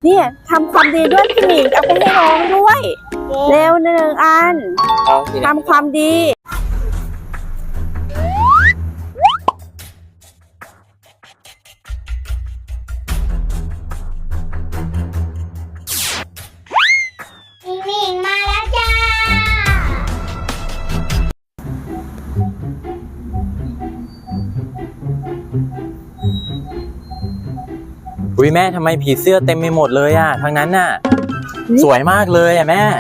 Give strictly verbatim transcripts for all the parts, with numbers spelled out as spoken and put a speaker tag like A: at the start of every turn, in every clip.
A: เนี่ยทำความดีด้วยพี่หมิงเอาไปให้น้องด้วยเร็วหนึ่งอันทำความดี
B: หมิงมาแล้วจ้า
C: อุ้ยแม่ทำไมผีเสื้อเต็มไปหมดเลยอ่ะทางนั้นน่ะสวยมากเลยอ่ะแม่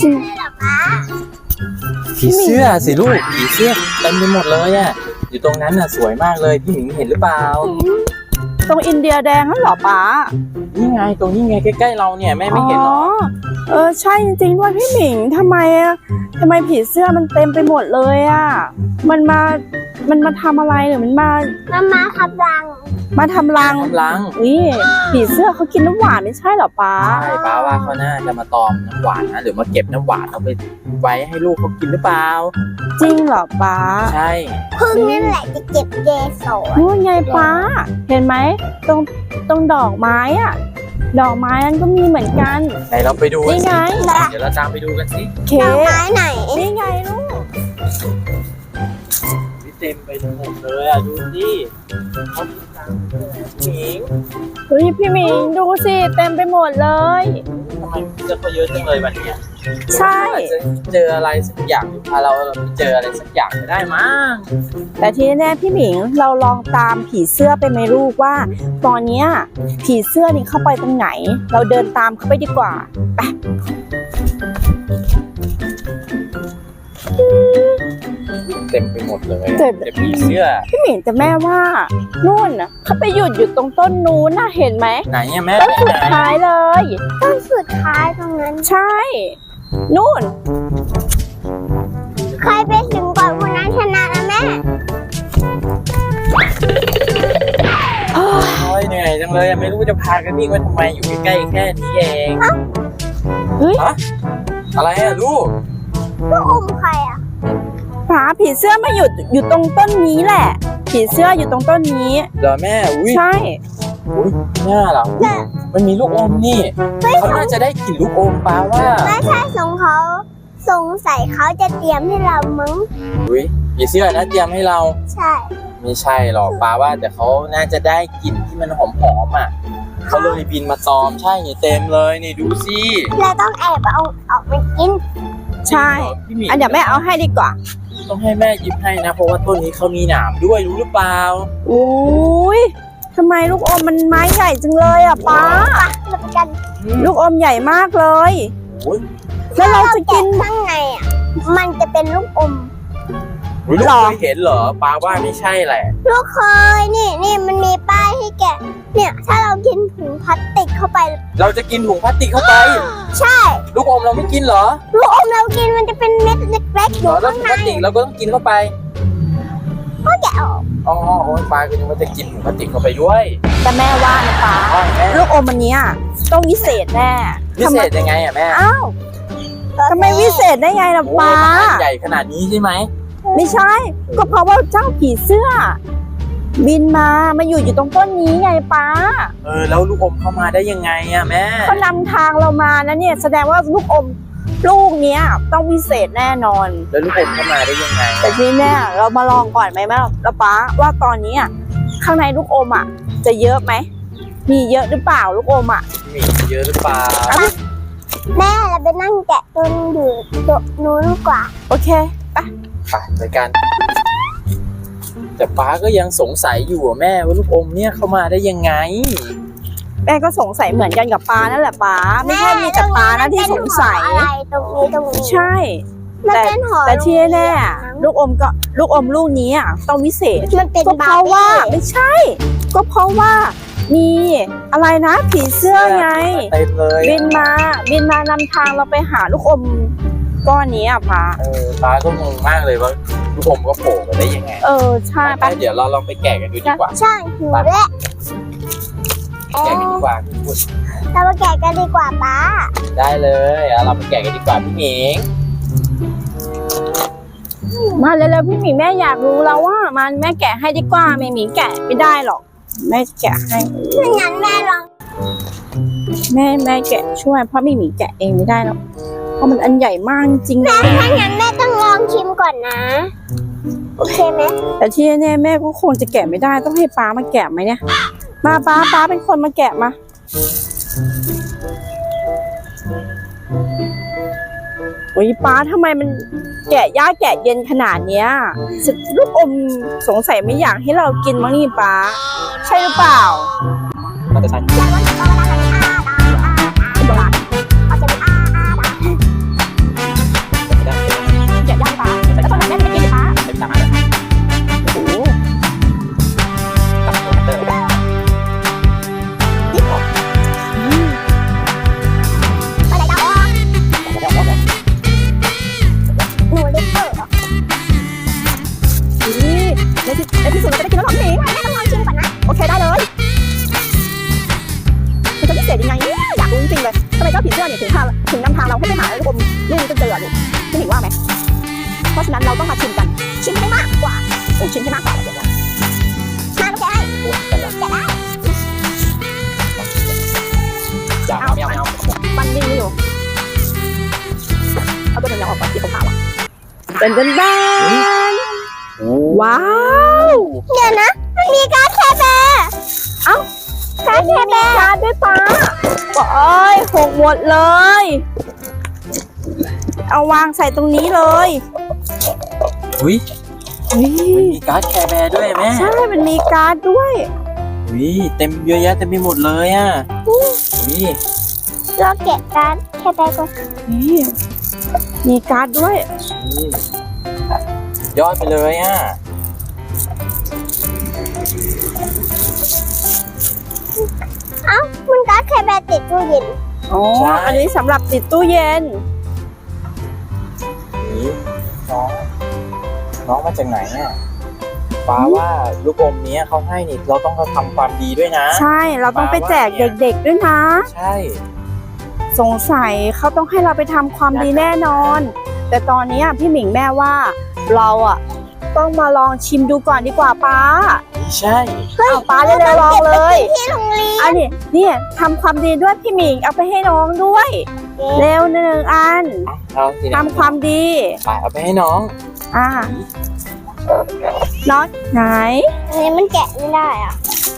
C: ผีเสื้อสิลูกผีเสื้อเต็มไปหมดเลยอ่ะอยู่ตรงนั้นน่ะสวยมากเลยพี่หมิงเห็นหรือเปล่า
A: ตรงอินเดียแดงนั่นเหรอป๊า
C: นี่ไงตรงนี้ไงใกล้ๆเราเนี่ยแม่ไม่เห็นหรอ
A: เออใช่จริงๆด้วยพี่หมิงทำไมอะทำไมผีเสื้อมันเต็มไปหมดเลยอ่ะมันมามันมาทำอะไรหรือมันมา
B: มามาทำรัง
A: มาทำรัง
C: ทำรัง
A: นี่ผีเสื้อเขากินน้ำหวานไม่ใช่เหรอป๊า
C: ใช่ป๊าว่าเขาน่าจะมาตอมน้ำหวานนะหรือมาเก็บน้ำหวานเอาไปไว้ให้ลูกเขากินหรือเปล่า
A: จริงเหรอป๊า
C: ใช่
B: พึ่งนี่แหละจะเก็บเกสร
A: นู่นไงป๊าเห็นไหมตรงตรงดอกไม้อ่ะดอกไม้นั้นก็มีเหมือนกัน
C: ไหนเราไปดู
A: นี่ไง
C: เดี๋ยวเราตามไปดูกันสิ
A: ด
B: อกไม้ไหน
A: นี่ไงลูก
C: เต็มไปหมดเลยอ่ะดูสิเขามีตังค์หมิง
A: เฮ้ยพี่หมิงดูสิเต็มไปหมดเลย
C: ทำไมเจอเขาเยอะจังเลยวันนี้
A: ใช่
C: เจออะไรสักอย่างพาเราไปเจออะไรสักอย่างไม่ได้มั้ง
A: แต่ที่แน่พี่หมิงเราลองตามผีเสื้อไปไหมลูกว่าตอนนี้ผีเสื้อนี่เข้าไปตรงไหนเราเดินตามเขาไปดีกว่าไป
C: เต็มไปหมดเลยเจ็บผีเสื้อ
A: พี่หมิงแต่แม่ว่านู่นน่ะเขาไปหยุดอยู่ตรงต้นนู้นน่ะเห็นไหม
C: ไหนอะแม่
A: ต้นสุดท้ายเลย
B: ต้นสุดท้ายตรงนั้น
A: ใช่นู่น
B: ใครไปถึงก่อนคนนั้นชนะนะแม่
C: โอ้ยเหนื่อยจังเลยไม่รู้จะพากันวิ่งมาทำไมอยู่ใกล้ๆแค่นี้เอง
A: เฮ้ย
C: อะไรอะลูก
B: ลูกอมใครอะ
A: ป๋าผีเสื้อมาหยุดอยู่ตรงต้นนี้แหละผีเสื้ออยู่ตรงต้นนี้
C: เหรอแม่อุ้ย
A: ใช่
C: อุ้ยหน้าเหรอมันมีลูกอมนี่เขาน่าจะได้กลิ่นลูกอมป้าว่า
B: ไม่ใช่สงเขาสงสัยเขาจะเตรียมให้เรามั้ง
C: อุ้ยผีเสื้อนะเตรียมให้เรา
B: ใช่
C: ไม่ใช่หรอกป้าว่าแต่เขาน่าจะได้กลิ่นที่มันหอมๆอ่ะเขาเลยบินมาตอมใช่นี่เต็มเลยนี่ดูสิ
B: เราต้องแอบเอาออกมากิน
A: ใช่อันเดี๋ยวแม่เอาให้ดีกว่า
C: ต้องให้แม่ยิบให้นะเพราะว่าต้นนี้เขามีหนามด้วยรู้หรือเปล่า
A: โอ้ยทำไมลูกอมมันไม้ใหญ่จังเลยอ่ะป้าลูกอมใหญ่มากเลยแล้วเราจะกิน
B: ข้างในอ่ะมันจะเป็นลูกอม
C: ลูกเคยเห็นเหรอป้าว่าไม่ใช่แหละ
B: ลูกเคยนี่นี่มันมีป้ายให้แกะเนี่ยถ้าเรากินถุงพลาสติกเข้าไป
C: เราจะกินถุงพลาสติกเข้าไป
B: ใช่
C: ลูกอมเราไม่กินเหรอ
B: ลูกอมเรากินมันจะเป็นเม็ดเล็กๆอยู่ข้างใน
C: แล้วถุงพลาสติกเราก็ต้องกินเข้าไป
B: ก็แกะออก
C: อ๋อโอ้ยป้าก็ยังว่าจะกินถุงพลาสติกเข้าไปด้วย
A: แต่แม่ว่านะป้าลูกอมอันนี้ต้องวิเศษแน่
C: วิเศษยังไงอ่ะแม่
A: อ้าวทำไมวิเศษได้ไงล่ะป้า
C: ใหญ่ขนาดนี้ใช่ไหม
A: ไม่ใช่ก็เพราะว่าเจ้าผีเสื้อบินมามาอยู่อยู่ตรงต้นนี้ไงป้า
C: เออแล้วลูกอมเข้ามาได้ยังไงอะแม่
A: เขานำทางเรามานะเนี่ยแสดงว่าลูกอมลูกเนี้ยต้องวิเศษแน่นอน
C: แล้วลูกอมเข้ามาได้ยังไง
A: แต่ทีนี้เรามาลองก่อนไหมแม่แล้วป้าว่าตอนนี้ข้างในลูกอมอ่ะจะเยอะไหมมีเยอะหรือเปล่าลูกอมอ่ะ
C: มีเยอะหรือเปล่า
B: แม่เราไปนั่งแกะต้นอยู่โต๊ะนู้นกว่า
A: โอเคไป
C: ไปไปกันแต่ป้าก็ยังสงสัยอยู่แม่ว่าลูกอมเนี่ยเข้ามาได้ยังไง
A: แม่ก็สงสัยเหมือนกันกับป้านั่นแหละป้าไม่ใช่มีแต่ป้านะที่สงสัย
B: อะไรตรงนี้ตรงนี้
A: ใช่แต่แต่ที่แน่ลูกอมก็ลูกอมลูกนี้อ่ะต้องวิเศษก็เพราะว่าไม่ใช่ก็เพราะว่ามีอะไรนะผีเสื้อไงบินมาบินมานำทางเราไปหาลูกอมก้อนนี้อ่ะป้า
C: เออป้าก็งงมากเลยว่าลูกอมก็โผล่มาได้ยังไง
A: เออใช่
C: ป้าเดี๋ยวเราลองไปแกะกันดูดีกว่า
B: ใช่หิวแล้ว
C: แกะกันดีกว่าพี่พุทธ
B: เราไปแกะกันดีกว่าป้า
C: ได้เลยเราไปแกะกันดีกว่าพี่หมิง
A: มาเร็วๆพี่หมิงแม่อยากรู้แล้วว่ามันแม่แกะให้ดีกว่าไม่หมิงแกะไม่ได้หรอกแม่แกะให้
B: ไม่งั้นแม่ลอง
A: แม่แม่แกะช่วยเพราะไม่มีแกะเองไม่ได้หรอกเพราะมันอันใหญ่มากจริงๆนะ
B: ถ้างั้นแม่ต้องลองชิมก่อนนะ โอเคไหม
A: แต่ที่แน่ๆแม่ก็คงจะแกะไม่ได้ต้องให้ป้ามาแกะไหมเนี่ยมาป้าป้าเป็นคนมาแกะมาโอ้ยป้าทำไมมันแกะยากแกะเย็นขนาดเนี้ยลูกอมสงสัยไม่อยากให้เรากินมั้งนี่ป้าใช่หรือเปล่า
C: น่าจะใช่ ไม่ได้
A: แกะยากป้าแล้วตอนนั้นแม่ไม่กินป้า
C: ใช้วิชามาเลย
A: โอ้โห
C: ตัดตัวเตอร์
B: หนูเล็กเปิด
A: นี่ในที่ในที่สุดเราจะได้กินแล้วหรอพี่หมิง
B: แม่ต้องลองชิมก่อนนะ
A: โอเคได้เลยมันจะพิเศษยังไงเนี่ยอยากรู้จริงๆเลยทำไมเจ้าผีเสื้อเนี่ยถึงพาถึงนำทางเราให้ไปหาลูกอมลูกนี้จนเจอลูกพี่หมิงว่าไหมเพราะฉะนั้นเราต้องมาชิมกัน
B: ชิมให้มากกว่า
A: โอ้ชิมให้มากกว่าเดี๋ยวนะ
B: มาลูกแกะแกะได้
C: อย่าไม่เอาไม่เอา
A: มันนิ่งไม่อยู่เอาตัวเหนียวๆออกก่อนที่เขาขาวอ่ะเป็นเป็นแบนว้าว
B: เดี๋ยวนะ มันมีการ์ดแคร์แบร์
A: เอ้า
B: การ์ดแคร์แบร์
A: การ์ดด้วยป้าโอ้ยหกหมดเลย เอาวางใส่ตรงนี้เลย
C: อุ้ย
A: อุ้ย
C: มีการ์ดแคร์แบร์ด้วยแม่
A: ใช่มันมีการ์ดด้วย
C: อุ้ยเต็มเยอะแยะเต็มไปหมดเลยอ่ะอุ้ย
B: เราแกะการ์ดแคร์แบร์ก่อน
A: นี่มีการ์ดด้วย
C: อุ้ยยอดไปเลยอ่ะ
B: เอ้ามันการ์ดแคร์แบร์ติดตู้เย็น
A: อ๋อ อันนี้สำหรับติดตู้เย็น
C: นี่น้องน้องมาจากไหนอ่ะป้าว่าลูกอมนี้เขาให้นี่เราต้องทำความดีด้วยนะ
A: ใช่ เราต้องไปแจกเด็กๆด้วยนะ
C: ใช่
A: สงสัยเขาต้องให้เราไปทำความดีแน่นอน แต่ตอนนี้พี่หมิงแม่ว่า เราอ่ะต้องมาลองชิมดูก่อนดีกว่าป้า
C: ใช่
A: เอาป้าเร็วๆลองเลย
B: ที่โรงเรียน
A: อันนี้เนี่ยทำความดีด้วยพี่หมิงเอาไปให้น้องด้วย เร็วหนึ่งอัน
C: เราสิ
A: ทำความดี
C: ไปเอาไปให้น้อง
A: อ่าน็อตไหน
B: อันนี้มันแกะไม่ได้อ่ะ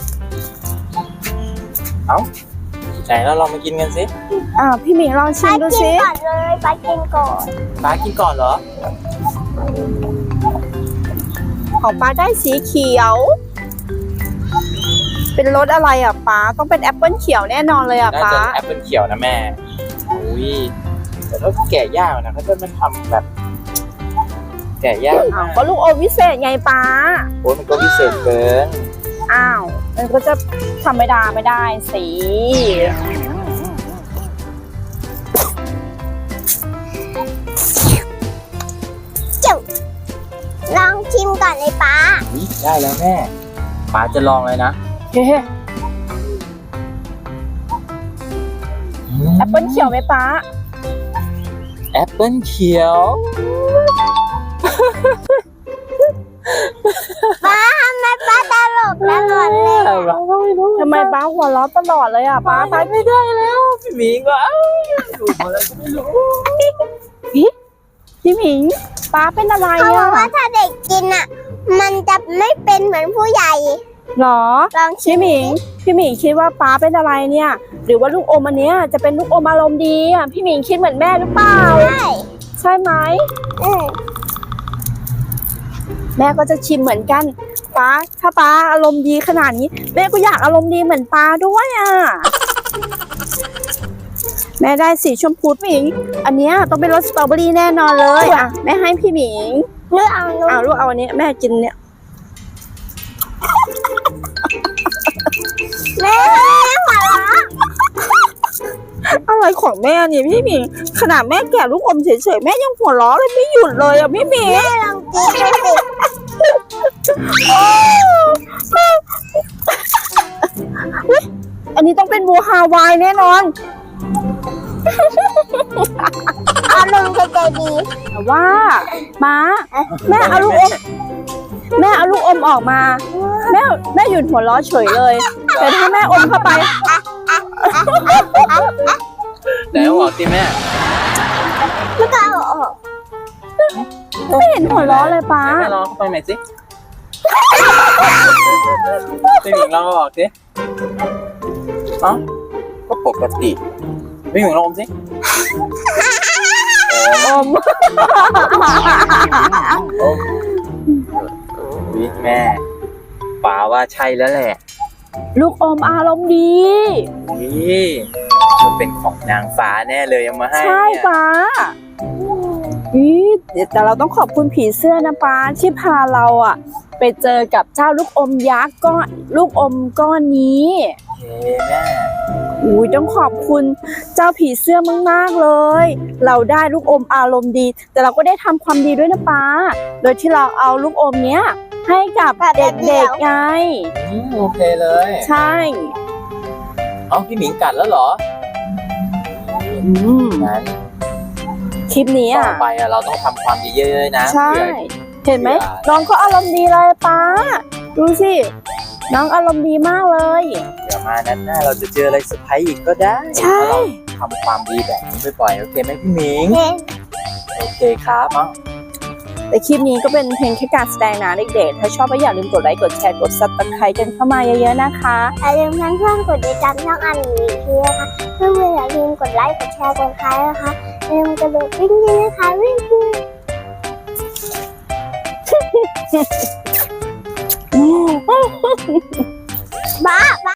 C: ไหนเราลองมากินกันสิ
A: อ่าพี่หมิงลองชิ
B: ป้าม
A: ดู
B: กิน
A: สิ
B: ก่อนเลยป้ากินก่อน
C: ป้ากินก่อนเหรอ
A: ของป้าได้สีเขียว เป็นรสอะไรอ่ะป้าต้องเป็นแอปเปิ้ลเขียวแน่นอนเลยอ่ะ
C: น่า
A: ป้า
C: จะแอปเปิลเขียวนะแม่อุ้ยแต่ถ้าแกะยากนะเขาจะมันทำแบบ แกะยาก
A: อ้าวก็ลูกอมวิเศษไงป้า
C: โอ้ยมันก็พิเศษเกิน
A: อ้าวมันก็จะธรรมดาไม่ได้สิ
B: ลองชิมก่อนเลยป้า
C: อุ๊ยได้แล้วแม่ป้าจะลองเลยนะ
A: เฮ้แอปเปิ้ลเขียวไหมป้า
C: แอปเปิลเขียว
B: ป้าทำไมป้าตลกตลอดเลยอะ
C: เราก็ไม่รู้
A: ทำไมป้าหัวเราะตลอดเลยอ่ะป้า
C: ป้า
A: ป้า
C: ไปไม่ได้แล้วพี่หมีก็เอ้าอยู่มาแล้วก็ไม่รู้
A: พี่หมิงป้าเป็นอะไร
B: เขาบอ
A: อ่ะ
B: กว่าถ้าเด็กกินอ่ะ มันจะไม่เป็นเหมือนผู้ใหญ่
A: หรอ
B: ลองชิ
A: พี่
B: ม
A: หมิงพี่หมิงคิดว่าป้าเป็นอะไรเนี่ย หรือว่าลูกอมอันเนี้ยจะเป็นลูกอมอารมณ์ดีอ่ะพี่หมิงคิดเหมือนแม่หรือเปล่า
B: ได้
A: ใช่ไหม
B: อืม
A: แม่ก็จะชิมเหมือนกันป้าถ้าป้าอารมณ์ดีขนาดนี้แม่ก็อยากอารมณ์ดีเหมือนป้าด้วยอ่ะแม่ได้สีชมพูพี่หมิง อันเนี้ยต้องเป็นรสสตรอเบอรี่แน่นอนเลยอ่ะแม่ให้พี่หมิง
B: เลือกเอาลูก
A: เอาลูกเอาอันนี้แม่กินเนี่ย
B: แม่หัวเราะ
A: อะไรของแม่เนี่ยพี่หมิงขนาดแม่แกะลูกอมเฉยๆแม่ยังหัวเราะเลยไม่หยุดเลยอ่ะพี่หมิง
B: แม่ลองกินดูสิ
A: อุ๊ยอันนี้ต้องเป็นบัวฮาวายแน่นอน
B: อารมณ์ใจดี
A: แต่ว่าม้าแม่เอาลูกอมแม่เอาลูกอมออกมา แม่แม่หยุดหัวเราะเฉยเลย แต่ถ้าแม่อมเข้าไป
C: ไหนเอาออกสิแม่
B: แล้วก็เอาออก
A: ไม่เห็นหัวเราะเลยป้า
C: แม่ลองเข้าไปใหม่สิพี่หมิงลองเอาออกสิเอ้าก็ปกติพี่หมิงลองอมสิ
A: อม
C: โอ้วิแม่ป๋าว่าใช่แล้วแหละ
A: ลูกอมอารมณ์ดี
C: นี่มันเป็นของนางฟ้าแน่เลยเอามาให้
A: ใช่
C: เนี่ย
A: ป้าอีแต่เราต้องขอบคุณผีเสื้อนะป้าที่พาเราอะไปเจอกับเจ้าลูกอมยักษ์ก้อนลูกอมก้อนนี้
C: โอเคแม่
A: อุ้ยต้องขอบคุณเจ้าผีเสื้อมากๆเลย เราได้ลูกอมอารมณ์ดี แต่เราก็ได้ทำความดีด้วยนะป้า โดยที่เราเอาลูกอมเนี้ยให้กับเด็กๆไง
C: อืมโอเคเลย
A: ใช่
C: เอ้าพี่หมิงกัดแล้วเหรอ
A: อืม
C: งั้น
A: คลิปนี้
C: ต่
A: อ่ะ
C: อไปอะเราต้องทำความดีเยอะๆนะ
A: ใช่
C: เผื่อ
A: เห็นไหม
C: เผื่อ
A: น้องก็อารมณ์ดีเลยป้า ดูสิ น้องอารมณ์ดีมากเลย
C: เดี๋ยวมานั้นหน้าเราจะเจออะไรเซอร์ไพรส์อีกก็ได้
A: ใช่
C: ถ้าเราทำความดีแบบนี้บ่อยๆโอเคไหมพี่หมิง
B: เห็น
C: โอเคครับเอ้า
A: แต่คลิปนี้ก็เป็นเพียงแค่การแสดงนะเด็กๆ ถ้าชอบก็อย่าลืมกดไลค์ กดแชร์ กดซับสไครต์กันเข้ามาเยอะๆนะคะ
B: อย่าลืมเพื่อนๆกดติดตามช่องอันนี้ทีนะคะเพื่อนๆอย่าลืมกดไลค์กดแชร์กดไลค์นะคะอย่าลืมกระโดดวิ่งด้วยนะคะวิ่งวิ่ง บ้า